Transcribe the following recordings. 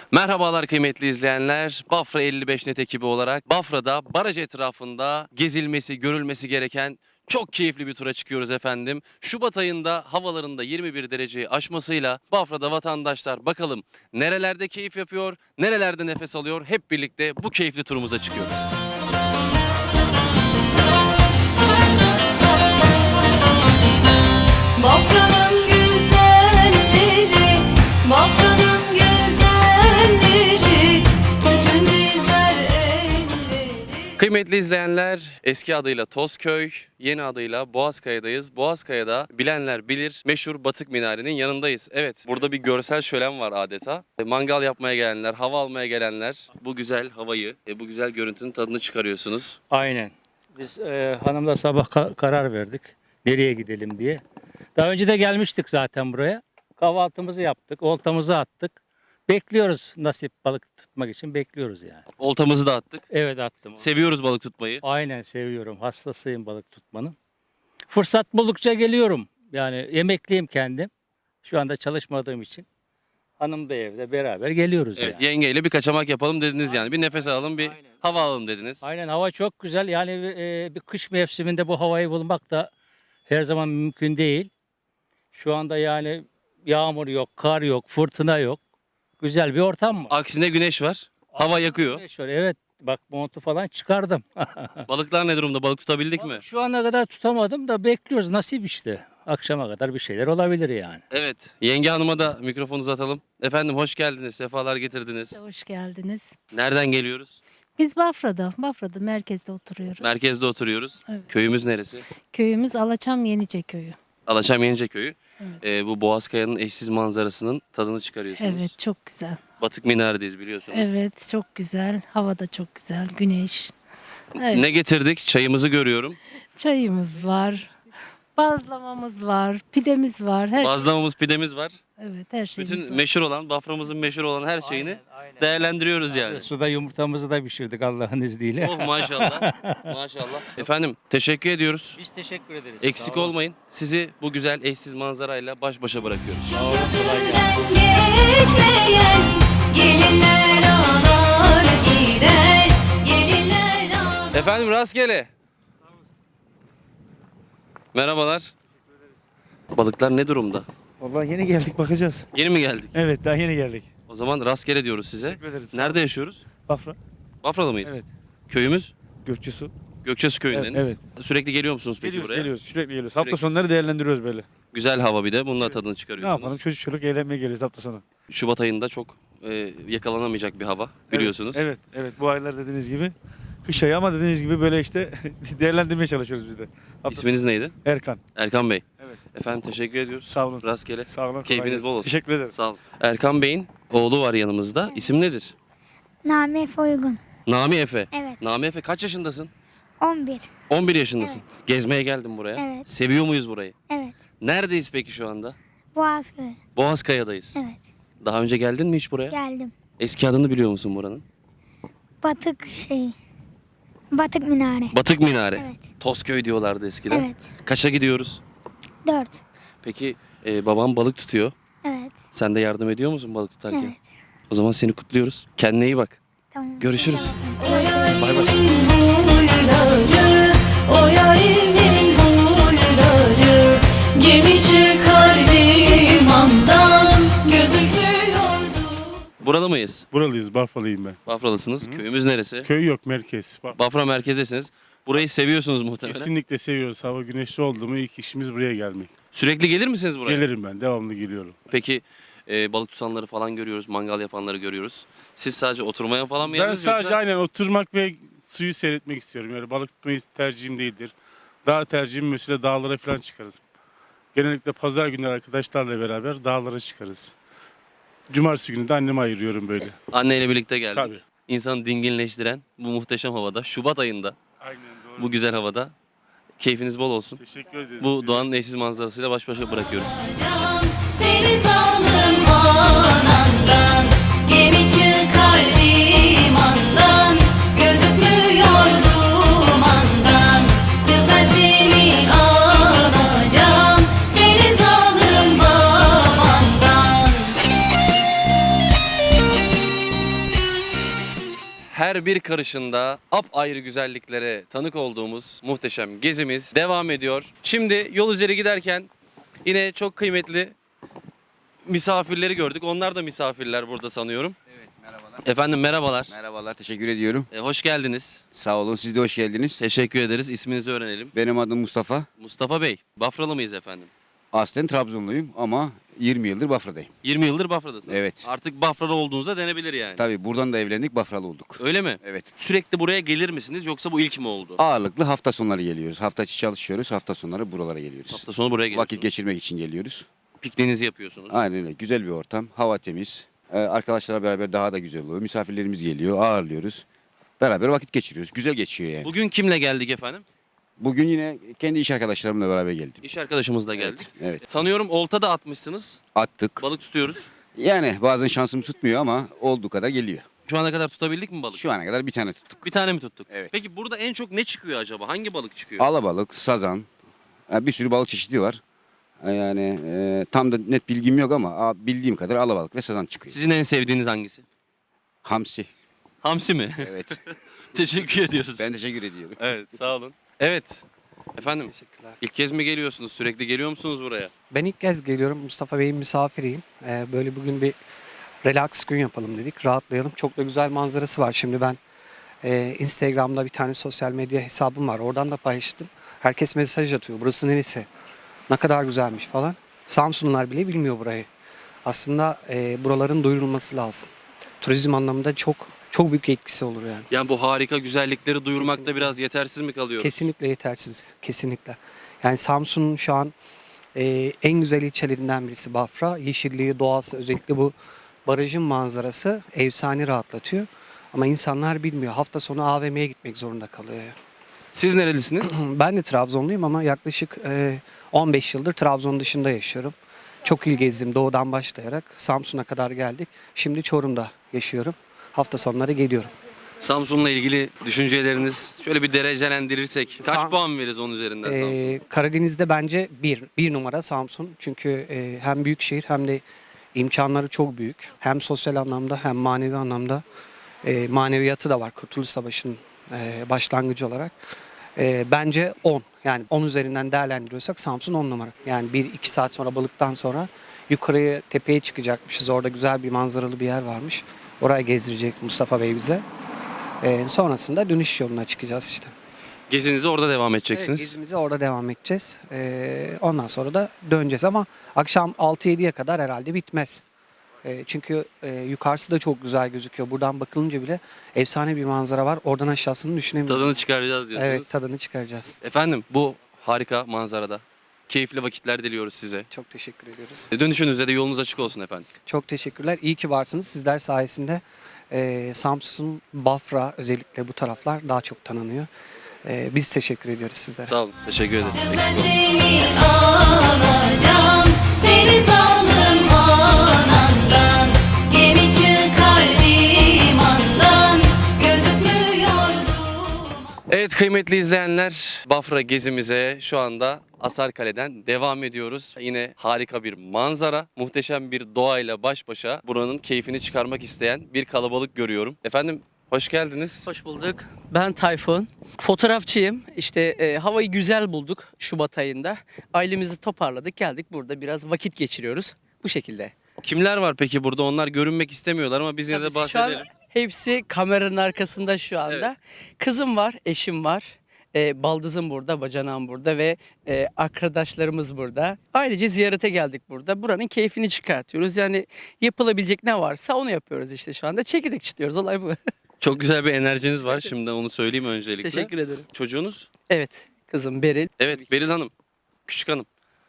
Merhabalar kıymetli izleyenler. Bafra 55 Net ekibi olarak Bafra'da baraj etrafında gezilmesi, görülmesi gereken çok keyifli bir tura çıkıyoruz efendim. Şubat ayında havalarında 21 dereceyi aşmasıyla Bafra'da vatandaşlar bakalım nerelerde keyif yapıyor, nerelerde nefes alıyor. Hep birlikte bu keyifli turumuza çıkıyoruz. Bafra'nın güzelleri, Bafra'nın güzelleri, tütün dizer elleri. Kıymetli izleyenler, eski adıyla Tozköy, yeni adıyla Boğazkaya'dayız. Boğazkaya'da bilenler bilir meşhur Batık Minare'nin yanındayız. Evet, burada bir görsel şölen var adeta. Mangal yapmaya gelenler, hava almaya gelenler bu güzel havayı, bu güzel görüntünün tadını çıkarıyorsunuz. Aynen. Biz hanımla sabah karar verdik. Nereye gidelim diye. Daha önce de gelmiştik zaten buraya. Kahvaltımızı yaptık, oltamızı attık. Bekliyoruz nasip balık tutmak için bekliyoruz yani. Oltamızı da attık. Evet attım. Seviyoruz balık tutmayı. Aynen seviyorum. Hastasıyım balık tutmanın. Fırsat buldukça geliyorum. Yani emekliyim kendim. Şu anda çalışmadığım için. Hanım da evde beraber geliyoruz Evet, yani. yengeyle bir kaçamak yapalım dediniz yani. Bir nefes alalım, bir Aynen. hava alalım dediniz. Aynen hava çok güzel. Yani bir kış mevsiminde bu havayı bulmak da her zaman mümkün değil. Şu anda yani yağmur yok, kar yok, fırtına yok. Güzel bir ortam var. Aksine güneş var. Hava yakıyor. Güneş var, evet. Bak montu falan çıkardım. Balıklar ne durumda? Balık tutabildik mi? Şu ana kadar tutamadım da bekliyoruz. Nasip işte. Akşama kadar bir şeyler olabilir yani. Evet. Yenge hanıma da mikrofonu uzatalım. Efendim hoş geldiniz. Sefalar getirdiniz. Hoş geldiniz. Nereden geliyoruz? Biz Bafra'da merkezde oturuyoruz. Merkezde oturuyoruz. Evet. Köyümüz neresi? Köyümüz Alaçam Yenice Köyü. Alaçam Yenice Köyü. Evet. Bu Boğazkaya'nın eşsiz manzarasının tadını çıkarıyorsunuz. Evet, çok güzel. Batık Minare'deyiz biliyorsunuz. Evet, çok güzel. Hava da çok güzel. Güneş. Evet. Ne getirdik? Çayımızı görüyorum. Çayımız var. Bazlamamız var. Pidemiz var. Bazlamamız, pidemiz var. Evet, her şeyimiz Bütün var. meşhur olan, Bafra'mızın meşhur olan her şeyini Aynen. değerlendiriyoruz yani. Suda yumurtamızı da pişirdik Allah'ın izniyle. Oh maşallah. Maşallah. Efendim teşekkür ediyoruz. Biz teşekkür ederiz. Eksik Sağ olun. olmayın. Sizi bu güzel eşsiz manzarayla baş başa bırakıyoruz. Sağ olun, kolay gelsin. Geçmeyen gelinler ağlar gider. Gelinler ağlar. Efendim rastgele. Merhabalar. Balıklar ne durumda? Vallahi yeni geldik, bakacağız. Yeni mi geldik? Evet, daha yeni geldik. O zaman rastgele diyoruz size. Teşekkür ederim. Nerede yaşıyoruz? Bafra. Bafra'da mıyız? Evet. Köyümüz Gökçesu. Gökçesu köyündeniz. Evet, Sürekli geliyor musunuz peki Geliyoruz, buraya? geliyoruz. Sürekli geliyoruz. Sürekli. Hafta sonları değerlendiriyoruz böyle. Güzel hava bir de. Bununla Evet. tadını Ne çıkarıyorsunuz. yapalım? Çocuk çocuk eğlenmeye geliyoruz hafta sonu. Şubat ayında çok yakalanamayacak bir hava biliyorsunuz. Evet, evet. Bu aylar dediğiniz gibi kış ayı ama dediğiniz gibi böyle işte değerlendirmeye çalışıyoruz biz de. Hafta İsminiz neydi? Erkan. Erkan Bey. Evet. Efendim teşekkür ediyoruz. Sağ olun. Rastgele. Sağ olun. kolay Keyfiniz gelsin. bol olsun. Teşekkür ederim. Sağ olun. Erkan Bey'in oğlu var yanımızda. İsim nedir? Nami Efe Uygun. Nami Efe. Evet. Nami Efe kaç yaşındasın? 11. 11 yaşındasın. Gezmeye geldim buraya. Evet. Seviyor muyuz burayı? Evet. Neredeyiz peki şu anda? Boğazköy. Boğazkaya'dayız. Evet. Daha önce geldin mi hiç buraya? Geldim. Eski adını biliyor musun buranın? Batık Batık Minare. Batık Minare. Evet. Tozköy diyorlardı eskiden. Evet. Kaça gidiyoruz? 4. Peki babam balık tutuyor. Evet. Sen de yardım ediyor musun balık tutarken? Evet. O zaman seni kutluyoruz. Kendine iyi bak. Tamam. Görüşürüz. Tamam. Bay bay. Huyları, o yarimin huyları, gemi çıkar limandan, gözükmüyordu. Burada mıyız? Buralıyız, Bafralıyım ben. Bafralısınız. Köyümüz neresi? Köy yok, merkez. Bafra merkezdesiniz. Burayı seviyorsunuz muhtemelen. Kesinlikle seviyoruz. Hava güneşli oldu mu ilk işimiz buraya gelmek. Sürekli gelir misiniz buraya? Gelirim ben, devamlı geliyorum. Peki balık tutanları falan görüyoruz, mangal yapanları görüyoruz. Siz sadece oturmaya falan mı Ben geldiniz sadece yoksa? aynen oturmak ve suyu seyretmek istiyorum. Yani balık tutmayı tercihim değildir. Daha tercihim mesela dağlara falan çıkarız. Genellikle pazar günleri arkadaşlarla beraber dağlara çıkarız. Cumartesi günü de anneme ayırıyorum böyle. Anneyle birlikte geldik. Tabii. İnsanı dinginleştiren bu muhteşem havada, Şubat ayında, Aynen doğru. bu güzel havada keyfiniz bol olsun. Teşekkür ederiz. Bu doğanın eşsiz manzarasıyla baş başa bırakıyoruz. Can, seni zalim anandan, gemi çıkar limandan, gözükmüyor dumandan, kısmetini alacağım, senin zalim babandan. her bir karışında apayrı güzelliklere tanık olduğumuz muhteşem gezimiz devam ediyor. Şimdi yol üzeri giderken yine çok kıymetli misafirleri gördük. Onlar da misafirler burada sanıyorum. Evet, merhabalar. Efendim merhabalar. Merhabalar, teşekkür ediyorum. Hoş geldiniz. Sağ olun, siz de hoş geldiniz. Teşekkür ederiz. İsminizi öğrenelim. Benim adım Mustafa. Mustafa Bey, Bafralı mıyız efendim? Aslen Trabzonluyum ama 20 yıldır Bafra'dayım. 20 yıldır Bafra'dasınız. Evet. Artık Bafralı olduğunuza denebilir yani. Tabii buradan da evlendik, Bafralı olduk. Öyle mi? Evet. Sürekli buraya gelir misiniz yoksa bu ilk mi oldu? Ağırlıklı hafta sonları geliyoruz. Hafta içi çalışıyoruz, hafta sonları buralara geliyoruz. Hafta sonu buraya geliyorsunuz. Vakit geçirmek için geliyoruz. Pikniğinizi yapıyorsunuz. Aynen öyle. Güzel bir ortam, hava temiz. Arkadaşlarla beraber daha da güzel oluyor. Misafirlerimiz geliyor, ağırlıyoruz. Beraber vakit geçiriyoruz. Güzel geçiyor yani. Bugün kimle geldik efendim? Bugün yine kendi iş arkadaşlarımla beraber geldim. İş arkadaşımızla geldik. Evet. Sanıyorum olta da atmışsınız. Attık. Balık tutuyoruz. Yani bazen şansım tutmuyor ama olduğu kadar geliyor. Şu ana kadar tutabildik mi balık? Şu ana kadar bir tane tuttuk. Bir tane mi tuttuk? Evet. Peki burada en çok ne çıkıyor acaba? Hangi balık çıkıyor? Alabalık, sazan, bir sürü balık çeşidi var. Yani tam da net bilgim yok ama bildiğim kadar alabalık ve sazan çıkıyor. Sizin en sevdiğiniz hangisi? Hamsi. Hamsi mi? Evet. Teşekkür ediyoruz. Ben teşekkür ediyorum. Evet, sağ olun. Evet. Efendim, Teşekkürler. ilk kez mi geliyorsunuz? Sürekli geliyor musunuz buraya? Ben ilk kez geliyorum. Mustafa Bey'in misafiriyim. Böyle bugün bir relax gün yapalım dedik. Rahatlayalım. Çok da güzel manzarası var. Şimdi ben Instagram'da bir tane sosyal medya hesabım var. Oradan da paylaştım. Herkes mesaj atıyor. Burası neresi? Ne kadar güzelmiş falan. Samsunlular bile bilmiyor burayı. Aslında buraların duyurulması lazım. Turizm anlamında çok büyük etkisi olur yani. Yani bu harika güzellikleri duyurmakta Kesinlikle. biraz yetersiz mi kalıyoruz? Kesinlikle yetersiz. Kesinlikle. Yani Samsun'un şu an en güzel ilçelerinden birisi Bafra. Yeşilliği, doğası, özellikle bu barajın manzarası efsane rahatlatıyor. Ama insanlar bilmiyor. Hafta sonu AVM'ye gitmek zorunda kalıyor. Yani. Siz nerelisiniz? Ben de Trabzonluyum ama yaklaşık 15 yıldır Trabzon dışında yaşıyorum. Çok il gezdim doğudan başlayarak. Samsun'a kadar geldik. Şimdi Çorum'da yaşıyorum. Hafta sonları geliyorum. Samsun'la ilgili düşünceleriniz şöyle bir derecelendirirsek kaç Sam- puan veririz onun üzerinden Samsun'a? Karadeniz'de bence bir numara Samsun. Çünkü hem büyük şehir hem de imkanları çok büyük. Hem sosyal anlamda hem manevi anlamda maneviyatı da var Kurtuluş Savaşı'nın başlangıcı olarak. Bence 10. Yani 10 üzerinden değerlendiriyorsak Samsun 10 numara. Yani 1-2 saat sonra balıktan sonra yukarıya tepeye çıkacakmışız. Orada güzel bir manzaralı bir yer varmış. Oraya gezdirecek Mustafa Bey bize. Sonrasında dönüş yoluna çıkacağız işte. Gezinize orada devam Evet, edeceksiniz. gezimize orada devam edeceğiz. Ondan sonra da döneceğiz ama akşam 6-7'ye kadar herhalde bitmez. Çünkü yukarısı da çok güzel gözüküyor. Buradan bakılınca bile efsane bir manzara var. Oradan aşağısını düşünemiyorum. Tadını çıkaracağız diyorsunuz. Evet, tadını çıkaracağız. Efendim bu harika manzarada keyifli vakitler diliyoruz size. Çok teşekkür ediyoruz. Dönüşünüzde de yolunuz açık olsun efendim. Çok teşekkürler. İyi ki varsınız. Sizler sayesinde Samsun, Bafra özellikle bu taraflar daha çok tanınıyor. Biz teşekkür ediyoruz sizlere. Sağ olun. Teşekkür ederiz. Eksik olun. Seni alacağım, seni zalim anandan, gemi çıkar limandan, gözükmüyordu. Evet kıymetli izleyenler, Bafra gezimize şu anda Asarkale'den devam ediyoruz. Yine harika bir manzara, muhteşem bir doğayla baş başa buranın keyfini çıkarmak isteyen bir kalabalık görüyorum. Efendim hoş geldiniz. Hoş bulduk. Ben Tayfun. Fotoğrafçıyım. İşte havayı güzel bulduk Şubat ayında. Ailemizi toparladık, geldik burada biraz vakit geçiriyoruz. Bu şekilde. Kimler var peki burada? Onlar görünmek istemiyorlar ama biz yine de Tabii şu an bahsedelim. hepsi kameranın arkasında şu anda. Kızım var, eşim var. Baldızım burada, bacanağım burada ve arkadaşlarımız burada. Ailece ziyarete geldik burada. Buranın keyfini çıkartıyoruz. Yani yapılabilecek ne varsa onu yapıyoruz işte şu anda. Çekirdek çitliyoruz, olay bu. Çok güzel bir enerjiniz var. Şimdi onu söyleyeyim öncelikle. Teşekkür ederim. Çocuğunuz? Evet, kızım Beril. Evet, Beril Hanım. Küçük hanım.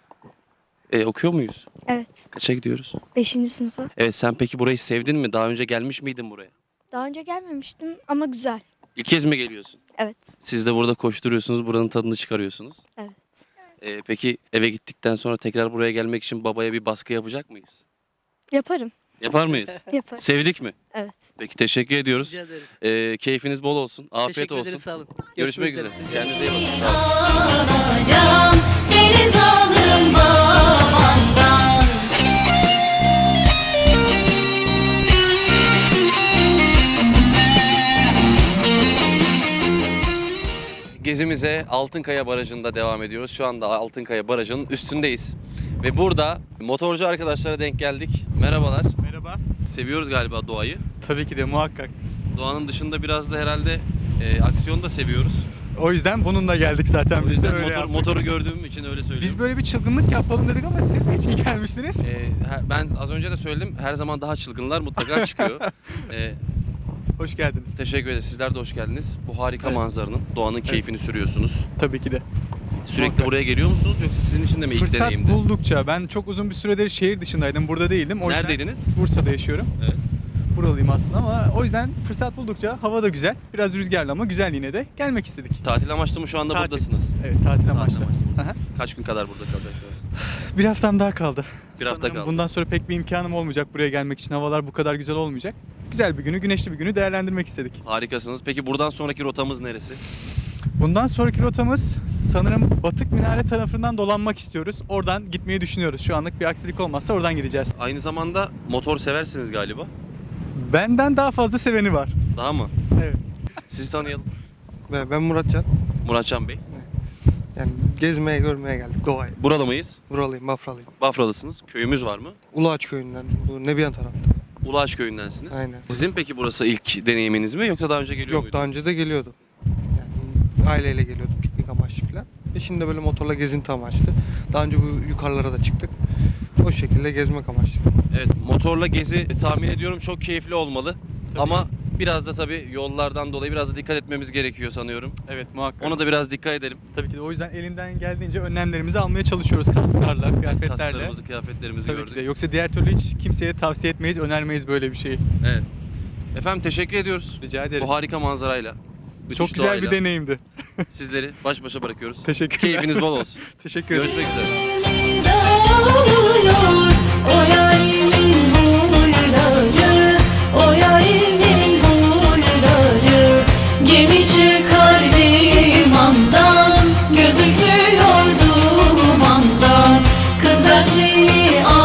Okuyor muyuz? Evet. Kaça gidiyoruz? 5. sınıfa. Evet, sen peki burayı sevdin mi? Daha önce gelmiş miydin buraya? Daha önce gelmemiştim ama güzel. İlk kez mi geliyorsun? Evet. Siz de burada koşturuyorsunuz, buranın tadını çıkarıyorsunuz. Evet. Peki eve gittikten sonra tekrar buraya gelmek için babaya bir baskı yapacak mıyız? Yaparım. Yapar mıyız? Yaparım. Sevdik mi? Evet. Peki teşekkür ediyoruz. Rica ederiz. Keyfiniz bol olsun. Afiyet Teşekkür olsun. ederiz, sağ olun. Görüşmek üzere. üzere. Kendinize iyi bakın. Sağ olun. Alacağım, seni zalim babandan. Gezimize Altınkaya Barajı'nda devam ediyoruz. Şu anda Altınkaya Barajı'nın üstündeyiz. Ve burada motorcu arkadaşlara denk geldik. Merhabalar. Merhaba. Seviyoruz galiba doğayı. Tabii ki de muhakkak. Doğanın dışında biraz da herhalde aksiyon da seviyoruz. O yüzden bununla geldik zaten O biz de yüzden öyle yaptık. motoru gördüğüm için öyle söylüyorum. Biz böyle bir çılgınlık yapalım dedik ama siz ne için gelmiştiniz? Ben az önce de söyledim. Her zaman daha çılgınlar mutlaka çıkıyor. Hoş geldiniz. Teşekkür ederiz. Sizler de hoş geldiniz. Bu harika Evet. manzaranın, doğanın keyfini sürüyorsunuz. Tabii ki de. Sürekli Muhakkak. buraya geliyor musunuz yoksa sizin için de mi ilk Fırsat deneyimdi? buldukça ben çok uzun bir süredir şehir dışındaydım. Burada değildim. O yüzden Neredeydiniz? Bursa'da yaşıyorum. Evet. Buralıyım aslında ama o yüzden fırsat buldukça hava da güzel. Biraz rüzgarlı ama güzel yine de gelmek istedik. Tatil amaçlı mı şu anda Tatil. buradasınız? Evet tatil amaçlı. Tatil amaçlı Aha. buradasınız. Kaç gün kadar burada kalacaksınız? Bir haftam daha kaldı. Bir hafta Sanırım kaldı. Bundan sonra pek bir imkanım olmayacak buraya gelmek için. Havalar bu kadar güzel olmayacak. Güzel bir günü, güneşli bir günü değerlendirmek istedik. Harikasınız. Peki buradan sonraki rotamız neresi? Bundan sonraki rotamız sanırım Batık Minare tarafından dolanmak istiyoruz. Oradan gitmeyi düşünüyoruz. Şu anlık bir aksilik olmazsa oradan gideceğiz. Aynı zamanda motor seversiniz galiba. Benden daha fazla seveni var. Daha mı? Evet. Sizi tanıyalım. Ben Muratcan. Muratcan Bey. Yani gezmeye görmeye geldik doğayı. Buralı mıyız? Buralıyım, Bafralıyım. Bafralısınız. Köyümüz var mı? Uluağaç köyünden, bu Nebiyan tarafta. Ulaş köyündensiniz. Aynen. Sizin peki burası ilk deneyiminiz mi yoksa daha önce geliyor Yok muydunuz? daha önce de geliyordu. Yani aileyle geliyorduk piknik amaçlı falan. Şimdi de böyle motorla gezinti amaçlı. Daha önce bu yukarılara da çıktık. O şekilde gezmek amaçlı. Evet, motorla gezi tahmin ediyorum çok keyifli olmalı. Ama biraz da tabii yollardan dolayı biraz da dikkat etmemiz gerekiyor sanıyorum. Evet muhakkak. Ona da biraz dikkat edelim. Tabii ki de o yüzden elinden geldiğince önlemlerimizi almaya çalışıyoruz. Kasklarla, kıyafetlerle. Kasklarımızı, kıyafetlerimizi Tabii gördük. ki de. Yoksa diğer türlü hiç kimseye tavsiye etmeyiz, önermeyiz böyle bir şeyi. Evet. Efendim teşekkür ediyoruz. Rica ederiz. Bu harika manzarayla. müthiş Çok güzel doğayla bir deneyimdi. Sizleri baş başa bırakıyoruz. Teşekkürler. Keyfiniz bol olsun. Teşekkür ederim. Görüşmek üzere. Dağılıyor o yarimin huyları, o yarimin huyları. Gemi çıkar limandan, gözükmüyor dumandan. Kız ben seni